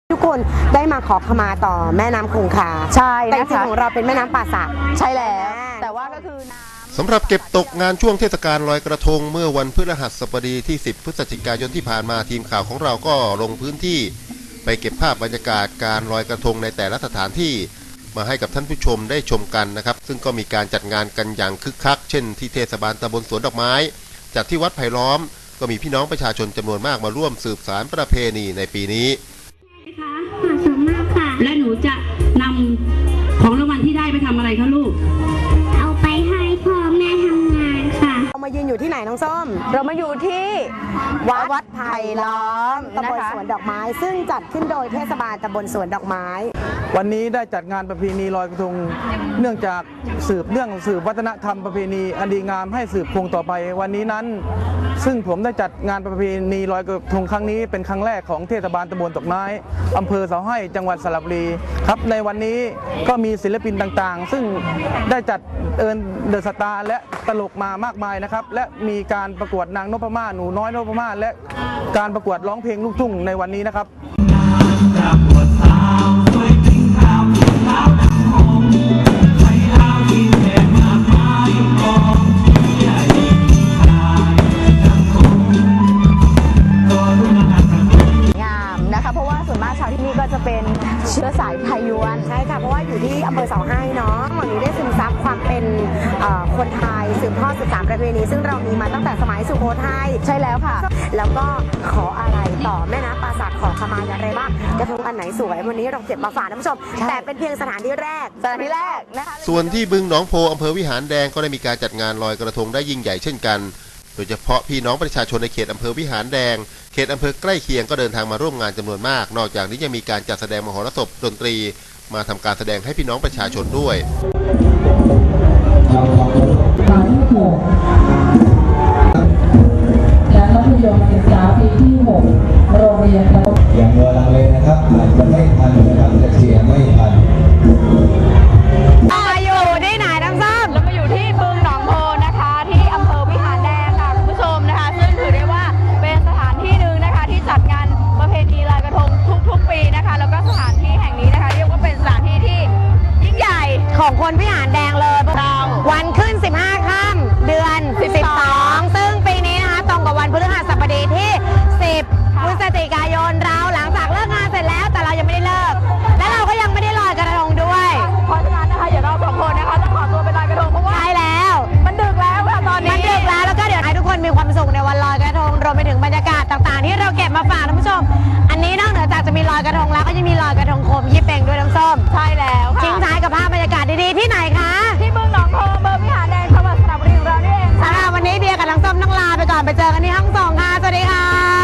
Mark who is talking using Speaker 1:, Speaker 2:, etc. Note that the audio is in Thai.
Speaker 1: ทุกคนได้มาขอขมาต่อแม่น้ำคงคา
Speaker 2: ใช่
Speaker 1: แต่จริง
Speaker 2: นะคะ
Speaker 1: ของเราเป็นแม่น้ำป่าสัก
Speaker 2: ใช่แล้วแต่ว่าก็คือ
Speaker 3: สำหรับเก็บตกงานช่วงเทศกาลลอยกระทงเมื่อวันพฤหัสบดีที่10พฤศจิกายนที่ผ่านมาทีมข่าวของเราก็ลงพื้นที่ไปเก็บภาพบรรยากาศการลอยกระทงในแต่ละสถานที่มาให้กับท่านผู้ชมได้ชมกันนะครับซึ่งก็มีการจัดงานกันอย่างคึกคักเช่นที่เทศบาลตำบลสวนดอกไม้จัดที่วัดไผ่ล้อมก็มีพี่น้องประชาชนจำนวนมากมาร่วมสืบสานประเพณีในปีนี้
Speaker 4: ค่ะขอบคุณมากค่ะและหนูจะนำของรางวัลที่ได้ไปทำอะไรคะลูกเอาไปให้พ่อแม่ทำงานค่ะ
Speaker 1: เรามายืนอยู่ที่ไหนน้องส้ม
Speaker 2: เรามาอยู่ที่วัดไผ่ล้อม
Speaker 1: ตำบลสวนดอกไม้ซึ่งจัดขึ้นโดยเทศบาลตำบลสวนดอกไม้
Speaker 5: วันนี้ได้จัดงานประเพณีลอยกระทงเนื่องจากสืบวัฒนธรรมประเพณีอันดีงามให้สืบคงต่อไปวันนี้นั้นซึ่งผมได้จัดงานประเพณีลอยกระทงครั้งนี้เป็นครั้งแรกของเทศบาลตำบลดอกไม้อำเภอเสาให้จังหวัดสระบุรีครับในวันนี้ก็มีศิลปินต่างๆซึ่งได้จัดเดอะสตาร์และตลกมามากมายนะครับและมีการประกวดนางนพมาศหนูน้อยนพมาศและการประกวดร้องเพลงลูกทุ่งในวันนี้นะครับ
Speaker 2: เพราะว่าส่วนมากชาวที่นี่ก็จะเป็นเชื้อสายไทยยวน
Speaker 1: ใช่ค่ะเพราะว่าอยู่ที่อำเภอเสาให้เนาะวันนี้ได้ซึมซับความเป็นคนไทยสืบทอดสืบสานประเพณีซึ่งเรามีมาตั้งแต่สมัยสุโขทัย
Speaker 2: ใช่แล้วค่ะ
Speaker 1: แล้วก็ขออะไรต่อแม่น้ำป่าสักขอขมาอย่างไรบ้างกระทงอันไหนสวยวันนี้เราเก็บมาฝากท่านผู้ชมแต่เป็นเพียงสถานที่แรก
Speaker 2: นะคะ
Speaker 3: ส่วนที่บึงหนองโพอำเภอวิหารแดงก็ได้มีการจัดงานลอยกระทงได้ยิ่งใหญ่เช่นกันโดยเฉพาะพี่น้องประชาชนในเขตอำเภอวิหารแดงเขตอำเภอใกล้เคียงก็เดินทางมาร่วมงานจำนวนมากนอกจากนี้ยังมีการจัดแสดงมหรสพดนตรีมาทำการแสดงให้พี่น้องประชาชนด้วย
Speaker 6: และมัธยมศึกษาปีที่6โรงเรียน
Speaker 7: อย่างเวลาเลยนะครับอาจจะไม่ทันนะครับจะเชียร์ไม่ทัน
Speaker 2: มาอยู่ที่ไหนน้ำส้มเรามาอยู่ที่บึงหนองโพนะคะที่อำเภอวิหารแดงค่ะคุณผู้ชมนะคะซึ่งถือได้ว่าเป็นสถานที่หนึ่งนะคะที่จัดงานประเพณีลอยกระทงทุกๆปีนะคะแล้วก็สถานที่แห่งนี้นะคะเรียกว่าเป็นสถานที่ที่ยิ่งใหญ่
Speaker 1: ของคนวิหารแดงเลยวันขึ้น15ค่ำเดือน12ซึ่งปีนี้นะคะตรงกับวันพฤหัสบดีที่10พฤศจิกายนเราหลังจากเลิกงานเสร็จแล้วแต่เรายังไม่ได้เลิกและเราก็ยังไม่ได้ลอยกระทงด้วย
Speaker 2: เพราะฉะนั้นนะคะเดี๋ยวเราสองคนนะคะต้องขอตัวไปลอยกระทงเพราะว่า
Speaker 1: ใช่แล้ว
Speaker 2: มันดึกแล้วค่ะตอนนี้
Speaker 1: มันดึกแล้วก็เดี๋ยวให้ทุกคนมีความสุขในวันลอยกระทงรวมไปถึงบรรยากาศต่างๆที่เราเก็บมาฝากท่านผู้ชมอันนี้นอกเหนือจากจะมีลอยกระทงแล้วก็ยังมีลอยกระทงโคมยี่เป่งด้วยน้ำส้ม
Speaker 2: ใช่แล้ว
Speaker 1: ทิ้งท้ายกับภาพบรรยากาศดีๆที่ไหนคะ
Speaker 2: ที่บึงหนองโพอำเภอวิหารแดงจังหวัดสระบุรีของเรานี่เอง
Speaker 1: สำหรับวันนี้เบียร์กับน้ำส้มต้องลาไปก่อนไปเจอกันที่ห้องส่งค่ะสวัสดีค่ะ